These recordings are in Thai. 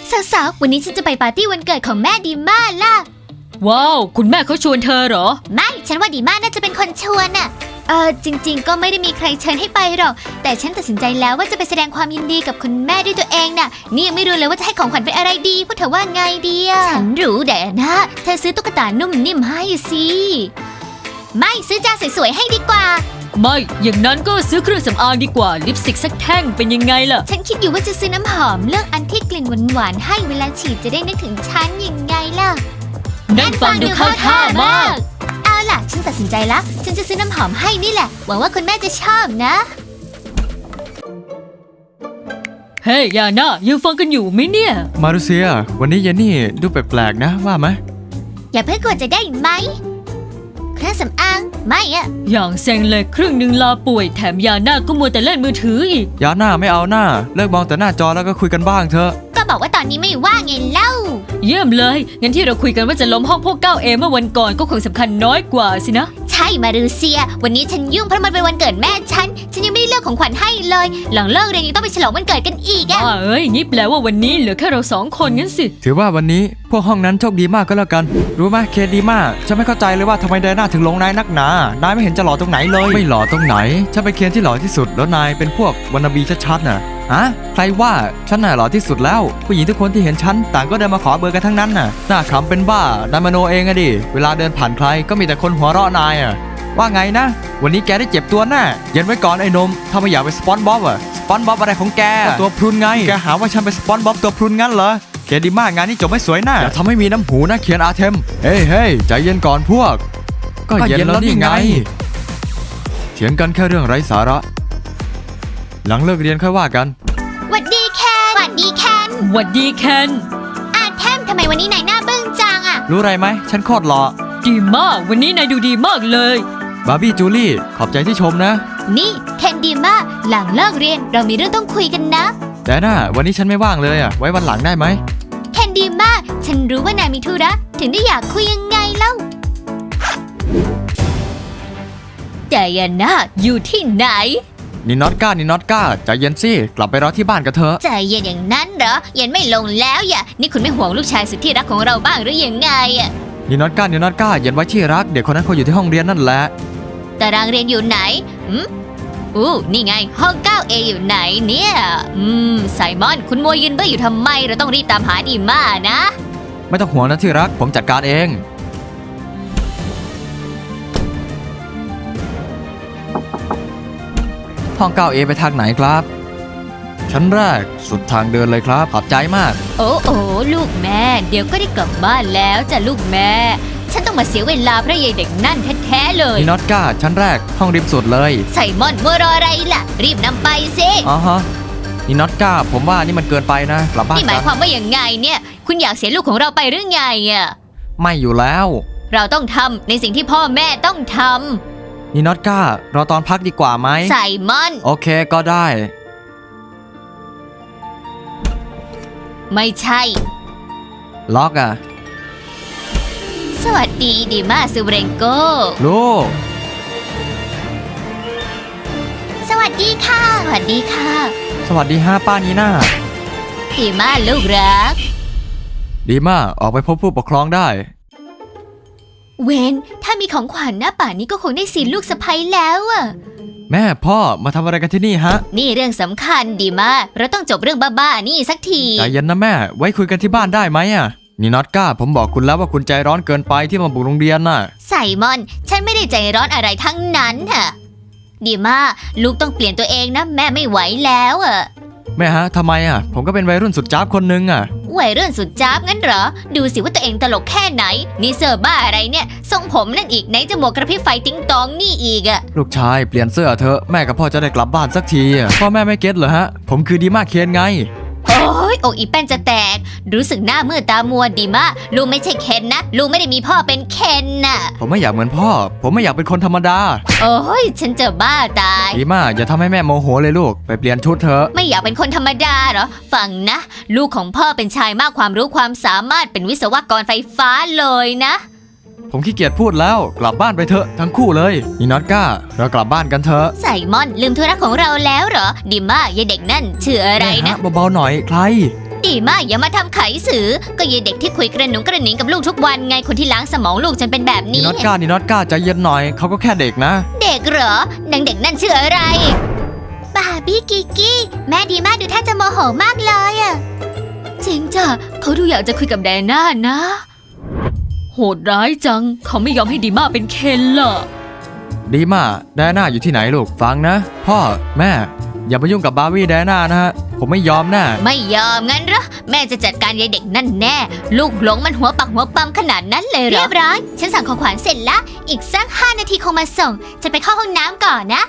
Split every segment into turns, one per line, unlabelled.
สาวๆวันนี้ฉันจะไปปาร์ตี้วันเกิดของแม่ดีม่าล่ะ
ว้าวคุณแม่เขาชวนเธอเหรอ
ไม่ฉันว่าดีม่าน่าจะเป็นคนชวนน่ะจริงๆก็ไม่ได้มีใครเชิญให้ไปหรอกแต่ฉันตัดสินใจแล้วว่าจะไปแสดงความยินดีกับคุณแม่ด้วยตัวเองน่ะนี่ยังไม่รู้เลยว่าจะให้ของขวัญเป็นอะไรดีพวกเธอว่าไงดีอะฉันรู้แต่นะเธอซื้อตุ๊กตานุ่มนิ่มให้สิไม่ซื้อจานสวยๆให้ดีกว่า
ไม่อย่างนั้นก็ซื้อเครื่องสำอางดีกว่าลิปสติกสักแท่งเป็นยังไงล่ะ
ฉันคิดอยู่ว่าจะซื้อน้ำหอมเลือกอันที่กลิ่นหวานๆให้เวลาฉีดจะได้นึกถึงฉันยังไงล่ะ
นั่นฟังดูเข้าท่ามาก
เอาล่ะฉันตัดสินใจละฉันจะซื้อน้ำหอมให้นี่แหละหวังว่าคุณแม่จะชอบนะ
เฮ้ยยาน่ายังฟังกันอยู่ไหมเนี่ย
มารุเซียวันนี้เยนนี่ดูแปลกๆนะว่าไหม
อย่าเพิ่งกดจะได้ไหมเครื่องสำอางไม่อะ
อย่างเซ็งเลยครึ่งหนึ่งลาป่วยแถมยาน่าก็มัวแต่เล่นมือถืออีก
ยาน่าไม่เอาหน้าเลิกมองแต่หน้าจอแล้วก็คุยกันบ้างเถอะ
ก็บอกว่าตอนนี้ไม่ว่างไงเล่า
เยี่ยมเลยงั้นที่เราคุยกันว่าจะล้มห้องพวก 9A เมื่อวันก่อนก็คงสำคัญน้อยกว่าสินะ
ใช่มารูเซียวันนี้ฉันยุ่งเพราะมันเป็นวันเกิดแม่ฉันยังไม่ได้เลือกของขวัญให้เลยหลังเลิกเรียนยังต้องไปฉลองวันเกิดกันอีกอะ
งี้แปลว่าวันนี้เหลือแค่เรา2 คนงั้นสิ
ถือว่าวันนี้พวกห้องนั้นโชคดีมากก็แล้วกันรู้ไหมเคดีมากฉันไม่เข้าใจเลยว่าทำไมไดน่าถึงลงนายนักหนานายไม่เห็นจะหล่อตรงไหนเลยไม่หล่อตรงไหนฉันเป็นเคนที่หล่อที่สุดแล้วนายเป็นพวกวานาบีชัดๆน่ะฮะใครว่าฉันน่ะหล่อที่สุดแล้วผู้หญิงทุกคนที่เห็นฉันต่างก็เดินมาขอเบอร์กันทั้งนั้นน่ะหน้าขำเป็นบ้านายมโนเองอะดิเวลาเดินผ่านใครก็มีแต่คนหัวเราะนายอะว่าไงนะวันนี้แกได้เจ็บตัวแน่เย็นไว้ก่อนไอ้นมถ้าไม่อยากเป็นสปอนบ๊อบอะสปอนบ๊อบอะไรของแกตัวพรุนไงแกหาว่าฉันเป็นสปอนบ๊อบตัวพรุนงั้นเหรอเคนดีมากงานนี้จบไม่สวยนะอย่าทำให้มีน้ำหูนะเคียนอาเทมเฮ้ยใจเย็นก่อนพวกก็เย็นแล้วนี่ไงเถียงกันแค่เรื่องไร้สาระหลังเลิกเรียนค่อยว่ากัน
หวัดดีแคนหวัดดีแคน
หวัดดีแคน
อาเทมทำไมวันนี้นายหน้าบึ้งจังอะ
รู้ไรไหมฉันโคตรหล่อ
ดีมากวันนี้นายดูดีมากเลย
บาร์บี้จูลี่ขอบใจที่ชมนะ
นี่เคนดีมากหลังเลิกเรียนเรามีเรื่องต้องคุยกันนะ
แต่น่ะวันนี้ฉันไม่ว่างเลยอะไว้วันหลังได้ไหม
เคนดีมากฉันรู้ว่านายมีธุระถึงได้อยากคุยยังไงเล่าแต่ยาน่าอยู่ที่ไหน
นี่น็อตก้าใจเย็นสิกลับไปรอที่บ้านกันเถอะ
ใจเย็นอย่างนั้นเหรอเย็นไม่ลงแล้วอย่านี่คุณไม่ห่วงลูกชายสุดที่รักของเราบ้างหรือยังไงอะ
นี่น็อตก้าเย็นไว้ที่รักเด็กคนนั้นเขาอยู่ที่ห้องเรียนนั่นแหละ
ตารางเรียนอยู่ไหนนี่ไงห้อง 9A อยู่ไหนเนี่ยไซมอนคุณมัวยืนเบื่ออยู่ทำไมเราต้องรีบตามหาดีม่านะ
ไม่ต้องห่วงนะที่รักผมจัดการเองห้อง 9A ไปทางไหนครับชั้นแรกสุดทางเดินเลยครับขอบใจมาก
โอ้ลูกแม่เดี๋ยวก็ได้กลับบ้านแล้วจ้ะลูกแม่ฉันต้องมาเสียเวลาเพราะยายเด็กนั่นแท้ๆเลย
นี่น็อตก้าชั้นแรกห้องริมสุดเลย
ไซมอนมัวรออะไรล่ะรีบนำไปสิ
นี่น็อตก้าผมว่านี่มันเกินไปนะกลับบ้าน
นี่หมายความว่าอย่างไงเนี่ยคุณอยากเสียลูกของเราไปหรือไงอะ
ไม่อยู่แล้ว
เราต้องทำในสิ่งที่พ่อแม่ต้องท
ำนี่น็อตก้ารอตอนพักดีกว่าไหม
ไซมอน
โอเคก็ได้
ไม่ใช่
ล็อกอะ
สวัสดีดีมาซูเรนโก
ลูก
สวัสดีค่ะสวัสดี
ป้านีน่า
ดีมาลูกรัก
ดีมาออกไปพบผู้ปกครองได้
เวนถ้ามีของขวัญหน้าป่านี้ก็คงได้สิลูกสะใภ้แล้วอะ
แม่พ่อมาทำอะไรกันที่นี่ฮะ
นี่เรื่องสำคัญดีมากเราต้องจบเรื่องบ้าๆนี่สักที
ใจเย็นนะแม่ไว้คุยกันที่บ้านได้ไหมอะนี่น็อตก้าผมบอกคุณแล้วว่าคุณใจร้อนเกินไปที่มาบุกโรงเรียนน่ะ
ไซมอนฉันไม่ได้ใจร้อนอะไรทั้งนั้นฮะดีมากลูกต้องเปลี่ยนตัวเองนะแม่ไม่ไหวแล้วอะ
แม่ฮะทำไมอะผมก็เป็นวัยรุ่นสุดจ้าบคนนึงอะ
วัยรุ่นสุดจ้าบงั้นเหรอดูสิว่าตัวเองตลกแค่ไหนนี่เสื้อบ้าอะไรเนี่ยทรงผมนั่นอีกไหนจมูกกระพริบไฟติ๊งตองนี่อีกอะ
ลูกชายเปลี่ยนเสื้อเถอะแม่กับพ่อจะได้กลับบ้านสักทีพ่อแม่ไม่เก็ตเหรอฮะผมคือดีมากเคนไง
โอ้ยอกอีแป้นจะแตกรู้สึกหน้ามืดตามัวดีมากลูกไม่ใช่เคนนะลูกไม่ได้มีพ่อเป็นเคนน่ะ
ผมไม่อยากเหมือนพ่อผมไม่อยากเป็นคนธรรมดา
โอ้ยฉันจะบ้าตาย
ดีมากอย่าทำให้แม่โมโหเลยลูกไปเปลี่ยนชุดเถอะ
ไม่อยากเป็นคนธรรมดาเหรอฟังนะลูกของพ่อเป็นชายมากความรู้ความสามารถเป็นวิศวกรไฟฟ้าเลยนะ
ผมขี้เกียจพูดแล้วกลับบ้านไปเถอะทั้งคู่เลยนี่น็อตก้าเรากลับบ้านกันเถอะ
ไซมอนลืมธุระของเราแล้วเหรอดีมากยายเด็กนั่นชื่ออะไรนะ
เบาๆหน่อยใคร
ดีมากอย่ามาทำไขสื่อก็ยายเด็กที่คุยกระหนุงกระหนิงกับลูกทุกวันไงคนที่ล้างสมองลูกจนเป็นแบบ
นี่
นี้
น็อตก้านี่น็อตก้าใจเย็นหน่อยเขาก็แค่เด็กนะ
เด็กเหรอนางเด็กนั่นชื่ออะไรบาร์บี้กิกกี้แม่ดีมากดูท่าจะโมโหมากเลยอะ
จริงจ้ะเขาดูอยากจะคุยกับแดน่านะ โหดร้ายจัง เขาไม่ยอมให้ดีมาเป็นเคนล่ะ
ดีมากแดน่าอยู่ที่ไหนลูกฟังนะ พ่อแม่อย่ามายุ่งกับบาร์บี้แดน่านะฮะผมไม่ยอมแน่
ไม่ยอมงั้นเหรอแม่จะจัดการยายเด็กนั่นแน่ ลูกหลงมันหัวปักหัวปั๊มขนาดนั้นเลยเหรอเรียบร้อยฉันสั่งของขวัญเสร็จละอีกสัก5 นาทีคงมาส่งจะไปเข้าห้องน้ำก่อนนะ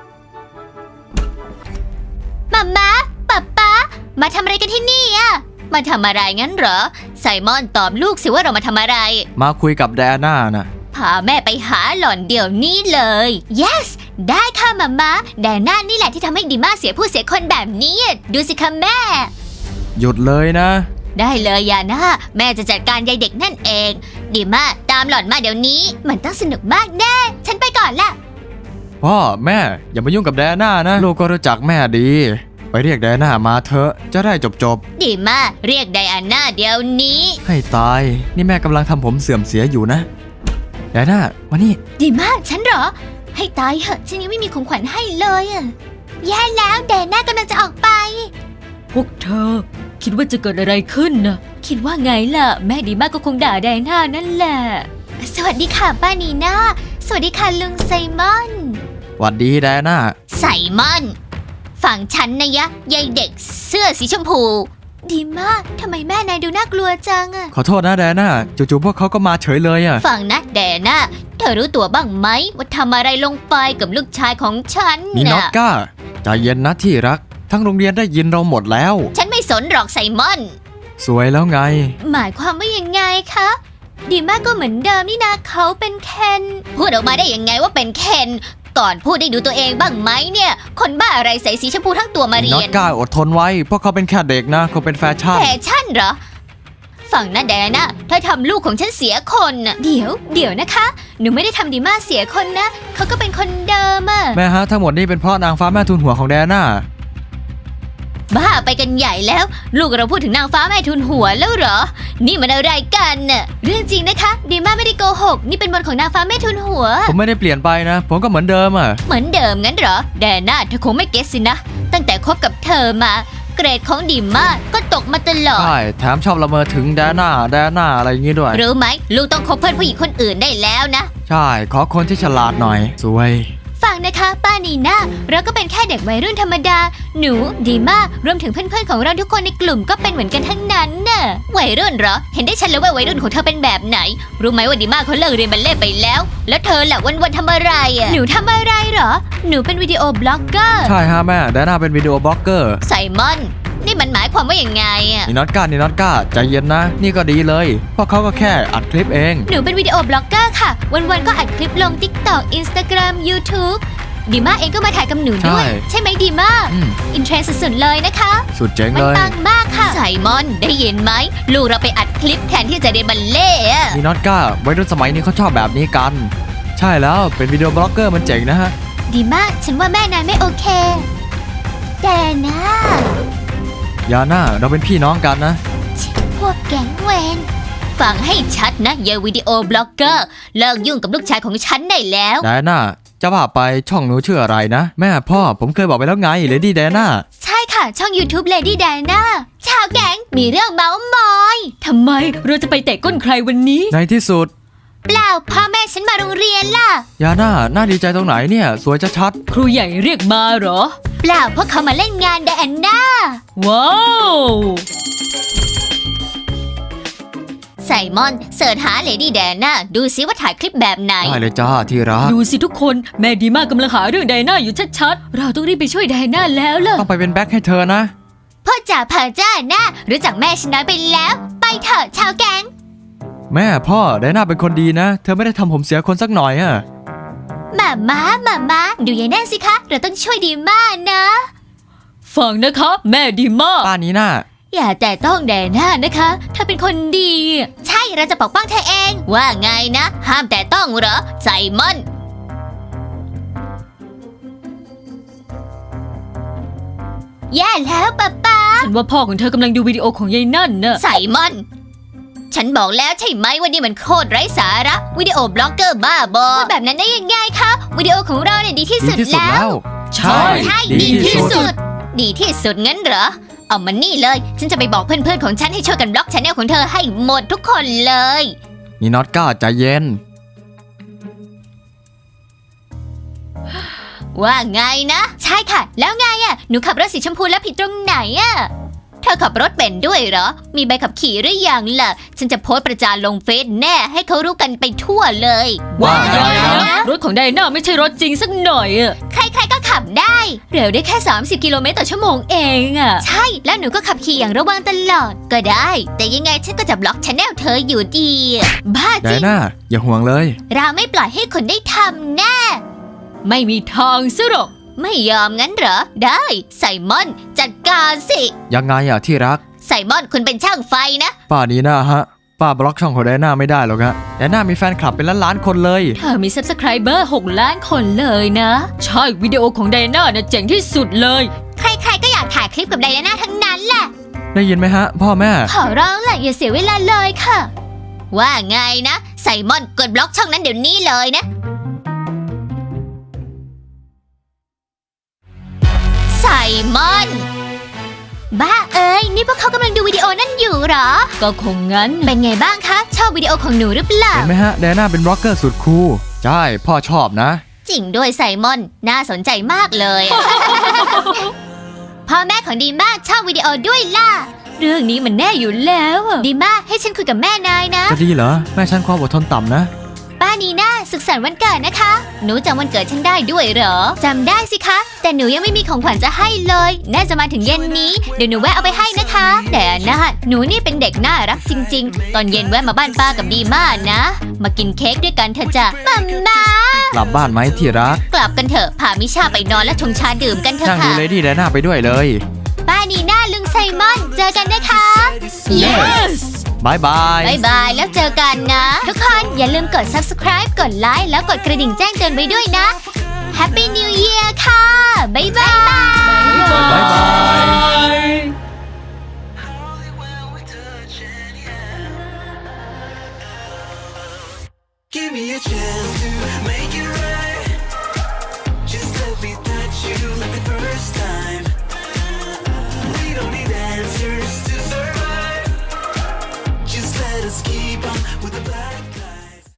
มาม่าป๊าป๊ามาทำอะไรกันที่นี่อะมาทำอะไรงั้นเหรอไซมอนตอบลูกสิว่าเรามาทำอะไร
มาคุยกับแดน่านะ
พาแม่ไปหาหล่อนเดี๋ยวนี้เลย yes ได้ค่ะมาม่าแดน่านี่แหละที่ทำให้ดีมาเสียผู้เสียคนแบบนี้ดูสิคะแม่
หยุดเลยนะ
ได้เลยยาน่าแม่จะจัดการยายเด็กนั่นเองดีมากตามหล่อนมาเดี๋ยวนี้มันต้องสนุกมากแน่ฉันไปก่อนละ
พ่อแม่อย่ามายุ่งกับแดน่านะลูกก็รู้จักแม่ดีไปเรียกแดน่ามาเถอะจะได้จบ
ดีมากเรียกไดอาน่าเดี๋ยวนี้
ให้ตายนี่แม่กำลังทำผมเสื่อมเสียอยู่นะแดน่ามานี่
ดีมากฉันเหรอให้ตายเหอะฉันยังไม่มีของขวัญให้เลยอะแย่แล้วแดน่ากำลังจะออกไป
พวกเธอ คิดว่าจะเกิดอะไรขึ้นนะคิดว่าไงล่ะ แม่ดีมากก็คงด่าแดน่านั่นแหละ
สวัสดีค่ะป้านีน่าสวัสดีค่ะลุงไซมอน
หวัดดีแดน่า
ไซมอนฝั่งฉันนะยะยายเด็กเสื้อสีชมพู ดีมากทำไมแม่นายดูน่ากลัวจังอะ
ขอโทษนะแดน่าจู่ๆพวกเขาก็มาเฉยเลยอะ
ฟังนะแดน่าเธอรู้ตัวบ้างไหมว่าทำอะไรลงไปกับลูกชายของฉัน
นี่น็อตก้าใจเย็นนะที่รักทั้งโรงเรียนได้ยินเราหมดแล้ว
ฉันไม่สนหรอกไซมอน
สวยแล้วไง
หมายความว่ายังไงคะดีมากก็เหมือนเดิมนี่นะเขาเป็นเคนพูดออกมาได้ยังไงว่าเป็นเคนก่อนพูดได้ดูตัวเองบ้างไหมเนี่ยคนบ้าอะไรใส่สีชมพูทั้งตัวมาเรี
น็อย ต
น
ก้าอดทนไว้เพราะเขาเป็นแค่เด็กนะเขาเป็นแฟชั่น
แฟชั่นเหรอฝั่งนั้นแดน่าเธอทำลูกของฉันเสียคนน่ะเดี๋ยวนะคะหนูไม่ได้ทำดีมากเสียคนนะเขาก็เป็นคนเดิมอะ
แม่ฮะทั้งหมดนี่เป็นเพราะนางฟ้าแม่ทุนหัวของแดน่า
บ้าไปกันใหญ่แล้ว ลูกเราพูดถึงนางฟ้าแม่ทุนหัวแล้วเหรอ นี่มันอะไรกันน่ะเรื่องจริงนะคะดีมาไม่ได้โกหกนี่เป็นบทของนางฟ้าแม่ทุนหัว
ผมไม่ได้เปลี่ยนไปนะ ผมก็เหมือนเดิมอ่ะ
เหมือนเดิมงั้นเหรอแดน่าเธอคงไม่เก็ตสินะ ตั้งแต่คบกับเธอมา เกรดของดีมาก็ตกมาตลอด
ใช่แถมชอบละเมอถึงแดน่าอะไรอย่างงี้ด้วย
รู้ไหมลูกต้องคบเพื่อนผู้หญิงคนอื่นได้แล้วนะ
ใช่ขอคนที่ฉลาดหน่อย สวย
ฟังนะคะป้านีน่าเราก็เป็นแค่เด็กวัยรุ่นธรรมดา หนูดีมากรวมถึงเพื่อนๆของเราทุกคนในกลุ่มก็เป็นเหมือนกันทั้งนั้นน่ะวัยรุ่นเหรอเห็นได้ชัดเลยว่าวัยรุ่นของเธอเป็นแบบไหน รู้ไหมว่าดีมากเขาเลิกเรียนบัลเล่ต์ไปแล้ว แล้วเธอล่ะวันๆทำอะไรอ่ะหนูทำอะไรเหรอหนูเป็นวิดีโอบล็อกเกอร์
ใช่ฮะแม่แดน่าเป็นวิดีโอบล็อกเกอร์
ไซมอนนี่มันหมายความว่าอย่างไงอ่ะ
นี่น็อตก้าใจเย็นนะ นี่ก็ดีเลยเพราะเขาก็แค่อัดคลิปเอง
หนูเป็นวิดีโอบล็อกเกอร์ค่ะวันๆก็อัดคลิปลง TikTok Instagram YouTube ดีมาเองก็มาถ่ายกับหนูด้วย ใช่ไหมดีมา อินเทรนด์สุดๆเลยนะคะ
สุดเจ๋ง
มัน
เลย
ปังมากค่ะไซมอนได้ยินไหมลูกเราไปอัดคลิปแทนที่จะเรียนบัลเล่ต์อะ
นี่น็อตก้าวัยรุ่นสมัยนี้เขาชอบแบบนี้กัน ใช่แล้วเป็นวิดีโอบล็อกเกอร์มันเจ๋งนะฮะ
ดีมากฉันว่าแม่นายไม่โอเค แต่นะ
ยาน่าเราเป็นพี่น้องกันนะ
พวกแก๊งเวนฟังให้ชัดนะยายวิดีโอบล็อกเกอร์เลิกยุ่งกับลูกชายของฉันได้แล้ว
แดน่าจะว่าไปช่องหนูชื่ออะไรนะ แม่พ่อผมเคยบอกไปแล้วไงเลดี้แดน่า
ใช่ค่ะช่อง YouTube Lady Diana ชาวแก๊งมีเรื่องเมาส์มอย
ทำไมเราจะไปเตะก้นใครวันนี้
ในที่สุด
เปล่าพ่อแม่ฉันมาโรงเรียนล่ะ
ยาน่าน่าดีใจตรงไหนเนี่ย สวยชัด
ครูใหญ่เรียกมาเหรอ
เปล่าเพราะเขามาเล่นงาน Diana
ว้าว
ไซมอนเสิร์ชหา Lady Diana ดูซิว่าถ่ายคลิปแบบไหน
ๆได้เลยจ้าที่รัก
ดูสิทุกคนแม่ดีมากกำลังหาเรื่องไดน่าอยู่ชัดๆ เราต้องรีบไปช่วยไดน่าแล้วล่ะ
ต้องไปเป็นแบ็คให้เธอนะ
พ่อจ๋าเพอจ้านะรู้จักแม่ฉันน้อยไปแล้ว ไปเถอะชาวแก๊ง
แม่พ่อไดน่าเป็นคนดีนะ เธอไม่ได้ทำผมเสียคนสักหน่อยอะ
มาดูยายแน่สิคะ เราต้องช่วยดีมากนะ
ฟังนะคะแม่ดีมาก
ป้านี้น่า
อย่าแต่ต้องแดน่านะคะเธอเป็นคนดี ใช่เราจะปกป้องเธอเอง ว่าไงนะ ห้ามแต่ต้องเหรอไซมอน แย่แล้วป๊า
ฉันว่าพ่อของเธอกำลังดูวิดีโอของยายนั่นน่ะ
ไซมอน ฉันบอกแล้วใช่ไหมว่านี่มันโคตรไร้สาระ วิดีโอบล็อกเกอร์บ้าบอพูดแบบนั้นได้ยังไงคะ วิดีโอของเราเนี่ยดีที่
ดี
สุด
ที่สุด
แล้ว
แล้ว
ใช่
ใช่
ดี
ดี
ที่
ที่
สุ
สุ
ด
ด ดีที่สุดงั้นเหรอ เอามันนี่เลย ฉันจะไปบอกเพื่อนๆของฉันให้ช่วยกันบล็อกชแนลของเธอให้หมดทุกคนเลย
นี่น็อตก้าใจเย็น
ว่าไงนะ ใช่ค่ะ แล้วไงอะหนูขับรถสีชมพูแล้วผิดตรงไหนอะเธอขับรถเป็นด้วยเหรอ มีใบขับขี่หรือยังล่ะ ฉันจะโพสต์ประจานลงเฟซแน่ให้เขารู้กันไปทั่วเลย
ว่าไง
ไง
นะ
นะ
รถของไดน่าไม่ใช่รถจริงสักหน่อยอะ
ใครๆก็ขับได้
เร็วได้แค่ 30 กิโลเมตรต่อชั่วโมงเองอะ
ใช่ แล้วหนูก็ขับขี่อย่างระวังตลอด ก็ได้ แต่ยังไงฉันก็จะบล็อกชแนลเธออยู่ดี บ้า
ได
จริง
น่าอย่าห่วงเลย
เราไม่ปล่อยให้คนได้ทำแน่
ไม่มีทางซะหรอก
ไม่ยอมงั้นเหรอ ได้ไซมอนจัดการสิ
ยังไงอะที่รัก
ไซมอนคุณเป็นช่างไฟนะ
ป้านีน่าฮะ ป้าบล็อกช่องของไดน่าไม่ได้หรอกฮะไดน่ามีแฟนคลับเป็นล้านๆคนเลย
เธอมี Subscriber 6 ล้านคนเลยนะ ใช่วิดีโอของไดน่าน่ะเจ๋งที่สุดเลย
ใครๆก็อยากถ่ายคลิปกับไดอาน่าทั้งนั้นแหละ
ได้ยินไหมฮะ พ่อแม่
ขอร้องแหละอย่าเสียเวลาเลยค่ะ ว่าไงนะไซมอนกดบล็อกช่องนั้นเดี๋ยวนี้เลยนะ ไซมอน บ้าเอ้ย นี่พวกเขากำลังดูวิดีโอนั่นอยู่เหรอ
ก็คงงั้น
เป็นไงบ้างคะ ชอบวิดีโอของหนูหรือเปล่า
เห็นไหมฮะไดน่าเป็นบล็อกเกอร์สุดคูลใช่พ่อชอบนะ
จริงด้วยไซมอน น่าสนใจมากเลย พ่อแม่ของดีมากชอบวิดีโอด้วยล่ะ
เรื่องนี้มันแน่อยู่แล้วอะ
ดีมากให้ฉันคุยกับแม่นายนะ
จะดีเหรอ แม่ฉันความอดทนต่ำนะ
ป้านีน่าสุขสันต์วันเกิดนะคะ หนูจำวันเกิดฉันได้ด้วยเหรอ จำได้สิคะ แต่หนูยังไม่มีของขวัญจะให้เลย น่าจะมาถึงเย็นนี้ เดี๋ยวหนูแวะเอาไปให้นะคะ แต่นะหนูนี่เป็นเด็กน่ารักจริง ๆ ตอนเย็นแวะมาบ้านป้ากับดีมานะ มากินเค้กด้วยกันเถอะจ้ะมัมมาก
ลับบ้านไหมที่รัก
กลับกันเถอะ พามิชาไปนอนและชงชาดื่มกันเถ
นั่
อะ
งดู
ค่ะ
เลดี้ไดน่าไปด้วยเลย
ป้านีน่าลุงไซมอน เจอกันนะคะ
Yes บายบาย
บายบายแล้วเจอกันนะ ทุกคนอย่าลืมกด subscribe กดไลค์แล้วกดกระดิ่งแจ้งเตือนไว้ด้วยนะ Happy New Year ค่ะ